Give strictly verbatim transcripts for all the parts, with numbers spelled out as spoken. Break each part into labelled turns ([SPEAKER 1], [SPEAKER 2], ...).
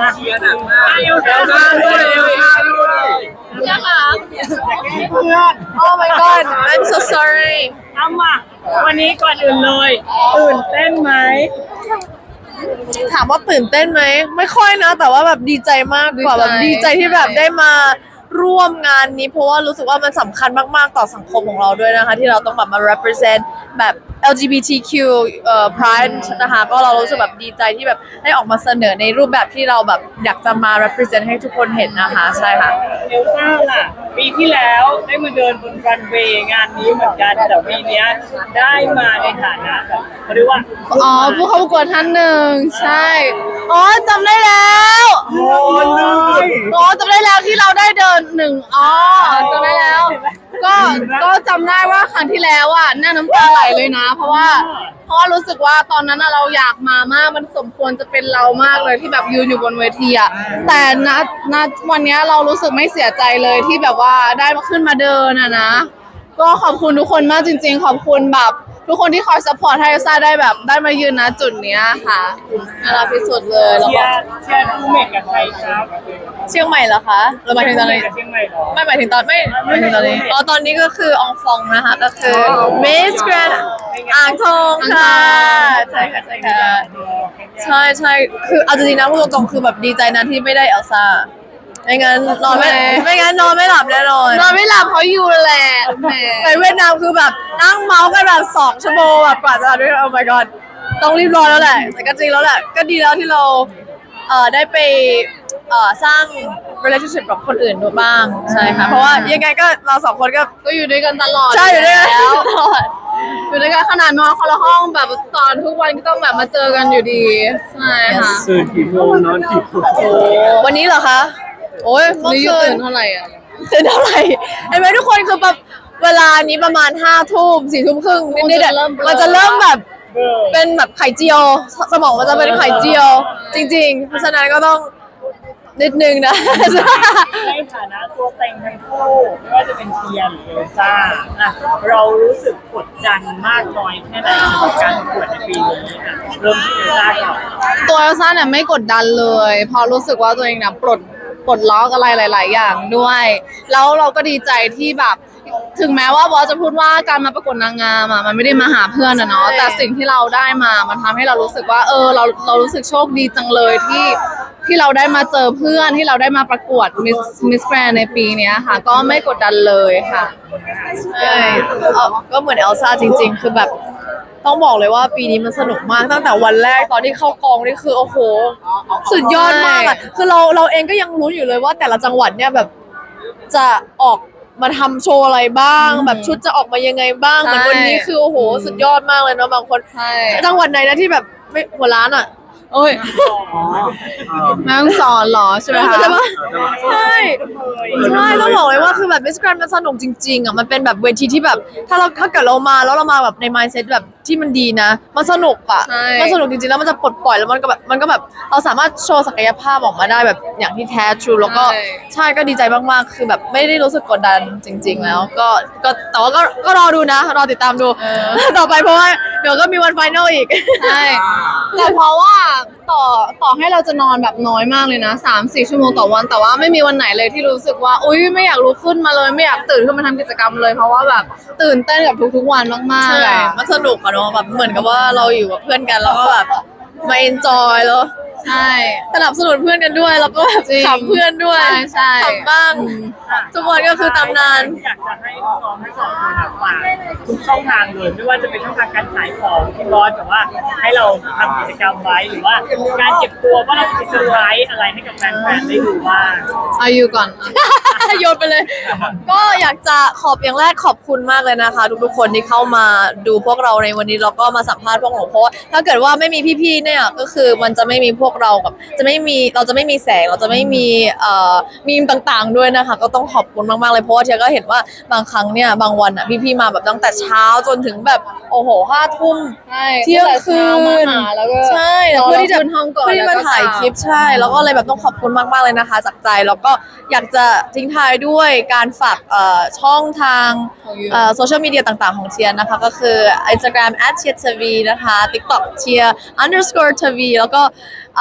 [SPEAKER 1] เชียร์หนักมากเอลซ่าด้วยเอลซ่าด้วย
[SPEAKER 2] เชื่อค่ะ
[SPEAKER 1] เพื่อน
[SPEAKER 2] Oh my god I'm so sorry
[SPEAKER 1] เอามาวันนี้ก่อนอื่นเลยตื่นเต้นไหม
[SPEAKER 2] ถามว่าตื่นเต้นไหมไม่ค่อยนะแต่ว่าแบบดีใจมากกว่าแบบดีใจที่แบบได้มาร่วมงานนี้เพราะว่ารู้สึกว่ามันสำคัญมากๆต่อสังคมของเราด้วยนะคะที่เราต้องแบบมา represent แบบ แอล จี บี ที คิว เอ่อ pride นะคะก็เรารู้สึกแบบดีใจที่แบบได้ออกมาเสนอในรูปแบบที่เราแบบอยากจะมา represent ให้ทุกคนเห็นนะคะใช่ค่ะ
[SPEAKER 1] เอลซ่าล่ะปีที่แล้วได้มาเดินบนรันเวย์งานนี้เหมือนกันแต่ปีนี้ได้มาในฐานะแบบเขาเรียกว่า
[SPEAKER 2] อ๋อผู้เข้าประกวดท่านหนึ่งใช่อ๋อจำได้แล้ว
[SPEAKER 1] โอ้ย
[SPEAKER 2] อ๋อจำได้แล้วที่เราได้เดินหนึ่งอ๋อจำได้แล้วก็ก็จำได้ว่าครั้งที่แล้วอ่ะหน้าน้ำตาไหลเลยนะ เพราะว่าเพราะว่ารู้สึกว่าตอนนั้นเราอยากมามากมันสมควรจะเป็นเรามากเลยที่แบบยืนอยู่บนเวทีอ่ะแต่ณณวันนี้เรารู้สึกไม่เสียใจเลยที่แบบว่าได้มาขึ้นมาเดินอ่ะนะก็ขอบคุณทุกคนมากจริงๆขอบคุณแบบทุกคนที่คอยซัพพอร์ตให้เอลซ่าได้แบบได้มายืนณจุดเนี้ยค่ะน่ารักที่สุดเลยแล้วก็
[SPEAKER 1] เชียร์เชียร์ดูเมกกับใครครับ
[SPEAKER 2] เชียงใหม่เหรอคะเราหมายถึงตอนนี้
[SPEAKER 1] เชียงใหม่เหรอ
[SPEAKER 2] ไม่หมายถึงตอนไม่ไม่หมายถึงตอนนี้อ๋อตอนนี้ก็คืออองฟองนะคะก็คือ Miss Grand อ่างทองค่ะใช่ค่ะใช่ค่ะใช่ใช่คือเอาจริงๆนะพูดตรงๆคือแบบดีใจนะที่ไม่ได้เอลซ่าไม่งั้นนอนไม่ไม่งั้นนอนไม่หลับแน่นอนนอนไม่หลับเพราะยูแหละไปเวียดนามคือแบบนั่งเมาส์กันแบบสองชั่วโมงแบบกว่าจะด้วย Oh my god ต้องรีบร้อนแล้วแหละแต่ก็จริงแล้วแหละก็ดีแล้วที่เราเอ่อได้ไปเอ่อสร้าง relationship กับคนอื่นด้วยบ้างใช่ค่ะเพราะว่ายังไงก็เราสองคนก็ก็อยู่ด้วยกันตลอดใช่อยู่ด้วยกันตลอดอยู่ด้วยกันขนาดนอนคนละห้องแบบตอนทุกวันก็ต้องแบบมาเจอกันอยู่ดีใช่ค่ะ
[SPEAKER 1] ตื่นกี่โมงนอนกี่โมง
[SPEAKER 2] วันนี้เหรอคะโอ้ยเมื่อคืน
[SPEAKER 3] ตื่นเท่าไหร่อ่ะ
[SPEAKER 2] ตื่นเท่าไหร่เห็นไหมทุกคนคือแบบเวลานี้ประมาณห้าทุ่มสี่ทุ่มครึ่งนิดๆมันจะเริ่มแบบเป็นแบบไข่เจียวสมองมันจะเป็นไข่เจียวจริงๆเพราะฉะนั้นก็ต้องนิดนึงนะ
[SPEAKER 1] ในฐานะตัวเต็งทั้งคู่ไม่ว่าจะเป็นเทียนหรือเอลซ่าอ่ะเรารู้สึกกดดันมากน้อยแค่ไหนสำหรับการประกวดในปีนี้อ่ะเริ่มที่เอลซ่าก่อน
[SPEAKER 3] ตัวเอลซ่าเนี่ยไม่กดดันเลยเพราะรู้สึกว่าตัวเองเนี่ยปลดปลดล็อกอะไรหลายๆอย่างด้วยแล้วเราก็ดีใจที่แบบถึงแม้ว่าบอสจะพูดว่าการมาประกวดนางงามอ่ะมันไม่ได้มาหาเพื่อนอะเนาะแต่สิ่งที่เราได้มามันทำให้เรารู้สึกว่าเออเราเรารู้สึกโชคดีจังเลยที่ที่เราได้มาเจอเพื่อนที่เราได้มาประกวดมิสมิสแกรนในปีนี้ค่ะก็ไม่กดดันเลยค่ะ
[SPEAKER 2] ใช่ก็เหมือนเอลซ่าจริงๆคือแบบต้องบอกเลยว่าปีนี้มันสนุกมากตั้งแต่วันแรกตอนที่เข้ากองนี่คือโอ้โหสุดยอดมากอ่ะคือเราเราเองก็ยังรู้อยู่เลยว่าแต่ละจังหวัดเนี่ยแบบจะออกมาทำโชว์อะไรบ้างแบบชุดจะออกมายังไงบ้างเหมือนวันนี้คือโอ้โหสุดยอดมากเลยเนาะบางคนจังหวัดไหนนะที่แบบไม่หัวล้านอ่ะโอ้ย
[SPEAKER 3] แม่ต้องสอนหรอใช่ไหมคะ
[SPEAKER 2] ใช่ใช่ต้องบอกเลยว่าคือแบบมิสแกรนด์มันสนุกจริงๆอ่ะมันเป็นแบบเวทีที่แบบถ้าเราถ้าเกิดเรามาแล้วเรามาแบบใน mindset แบบที่มันดีนะมันสนุกอ่ะมันสนุกจริงๆแล้วมันจะปลดปล่อยแล้วมันก็แบบมันก็แบบเราสามารถโชว์ศักยภาพออกมาได้แบบอย่างที่แท้ทรูแล้วก็ใช่ก็ดีใจมากๆคือแบบไม่ได้รู้สึกกดดันจริงๆแล้วก็ก็แต่ว่าก็ก็รอดูนะรอติดตามดูต่อไปเพราะว่าเดี๋ยวก็มีวันไฟนอลอีก
[SPEAKER 3] ใช่แต่เพราะว่าต่อต่อให้เราจะนอนแบบน้อยมากเลยนะสามสี่ชั่วโมงต่อวันแต่ว่าไม่มีวันไหนเลยที่รู้สึกว่าอุ้ยไม่อยากลุกขึ้นมาเลยไม่อยากตื่นขึ้นมาทำกิจกรรมเลยเพราะว่าแบบตื่นเต้นกับทุกๆวันมากๆ
[SPEAKER 2] ใช่มันสนุกอะเนาะแบบเหมือนกับว่าเราอยู่กับเพื่อนกันแล้วก็แบบมาเอนจอยแล้ว
[SPEAKER 3] ใช่
[SPEAKER 2] สนับสนุนเพื่อนกันด้วยแล้วก็แบบขำเพื่อนด้วย
[SPEAKER 3] ใช่
[SPEAKER 2] ขำบ้างทุกวันก็คือตำนาน
[SPEAKER 1] อยากจะให้น้องๆทั้งสองคนฝากทุกช่องทางเลยไม่ว่าจะเป็นช่องทางการขายของที่บอสแบบว่าให้เราทำกิจกรรมไว้หรือว่าการเก็บตัวว่าเราจะมีเซอร์ไพรส์อะไรให้กับแฟนๆได้ดูบ้าง
[SPEAKER 3] อายุก่อน
[SPEAKER 2] โยนไปเลยก็อยากจะขอบอย่างแรกขอบคุณมากเลยนะคะทุกๆคนที่เข้ามาดูพวกเราในวันนี้แล้วก็มาสัมภาษณ์พวกหนูเพราะว่าถ้าเกิดว่าไม่มีพี่ๆเนี่ยก็คือมันจะไม่มีพวกเรากับจะไม่มีเราจะไม่มีแสงเราจะไม่มีเอ่อมีมต่างๆด้วยนะคะก็ต้องขอบคุณมากๆเลยเพราะว่าเทียก็เห็นว่าบางครั้งเนี่ยบางวันอ่ะพี่ๆมาแบบตั้งแต่เช้าจนถึงแบบโอ้โหห้าทุ่มเที่ยงคืน
[SPEAKER 3] แล้วก็
[SPEAKER 2] ใช่เพื่อที่จะ
[SPEAKER 3] ห้องก่อน
[SPEAKER 2] เพื่อที่มาถ่ายคลิปใช่แล้วก็เลยแบบต้องขอบคุณมากๆเลยนะคะจากใจแล้วก็อยากจะทิ้งท้ายด้วยการฝากเอ่อช่องทางเอ่อโซเชียลมีเดียต่างๆของเทียนะคะก็คือ Instagram แอท เทียร์ ที วี นะคะ TikTok เทียร์ underscore ที วี แล้วก็เอ่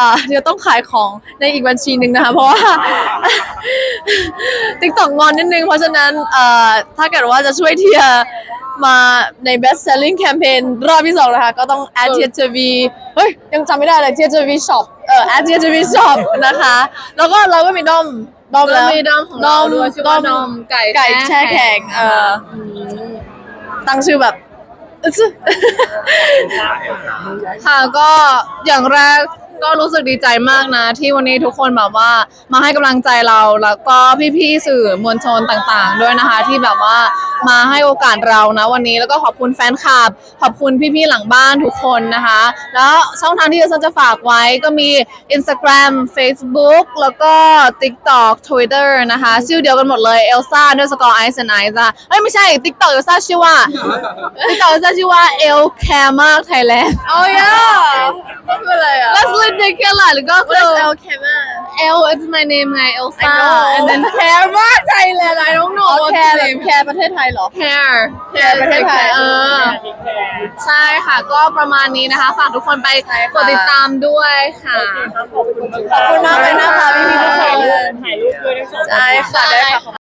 [SPEAKER 2] อ่าเดี๋ยวต้องขายของในอีกบัญชีหนึ่งนะคะเพราะว่า TikTok งอนนิดนึงเพราะฉะนั้นเอ่อถ้าเกิดว่าจะช่วยเทียร์มาใน best selling campaign รอบที่สองนะคะก็ต้อง add เทียร์ ที วี เฮ้ยยังจำไม่ได้เลยเทียร์ ที วี shop เอ่อ add เทียร์ ที วี shop นะคะแล้วก็เราก็มีด้อมด้อม
[SPEAKER 3] ก็
[SPEAKER 2] แล้ว
[SPEAKER 3] มีดอมของเราด้วยชื่อว่าดอมไก่
[SPEAKER 2] ไก่แช่แข็งเออตั้งชื่อแบบ อึ๊ด
[SPEAKER 3] ค่ะก็อย่างแรกก็รู้สึกดีใจมากนะ ที่วันนี้ทุกคนแบบว่ามาให้กำลังใจเราแล้วก็พี่ๆสื่อมวลชนต่างๆ ด้วยนะคะ ที่แบบว่ามาให้โอกาสเรานะวันนี้แล้วก็ขอบคุณแฟนคลับขอบคุณพี่ๆหลังบ้านทุกคนนะคะ แล้วช่องทางที่เราจะฝากไว้ก็มี Instagram Facebook แล้วก็ TikTok Twitter นะคะชื่อเดียวกันหมดเลย Elsa ด้วยสกอร์ Ice and Ice อ่ะเอ้ยไม่ใช่ TikTok Elsa ชื่อว่า TikTok Elsa ชื่อว่า El Care มาก Thailand
[SPEAKER 2] โอ้ยก็คืออะไรอ่ะ
[SPEAKER 3] Let's ridiculous หรือก็คือ
[SPEAKER 2] What is El Camer
[SPEAKER 3] L it's my name ไง Elsa
[SPEAKER 2] I know
[SPEAKER 3] and then Care มาก Thailand I don't know
[SPEAKER 2] อ๋อ
[SPEAKER 3] what's
[SPEAKER 2] แคร์
[SPEAKER 3] the
[SPEAKER 2] แบบ
[SPEAKER 3] name
[SPEAKER 2] แคร์ประเทศไทยเหรอ
[SPEAKER 3] Care
[SPEAKER 2] แคร์ประเทศไทย
[SPEAKER 3] เออ ใช่ค่ะก็ประมาณนี้นะคะ ฝากทุกคนไปกดติดตามด้วยค่ะ
[SPEAKER 1] ขอบคุณ
[SPEAKER 2] ขอบคุณมากเลยนะคะพี่ๆทุกคน
[SPEAKER 1] ถ่ายรูปด้วยทั้งสองคน
[SPEAKER 2] ใช่ค่ะได้ค่ะ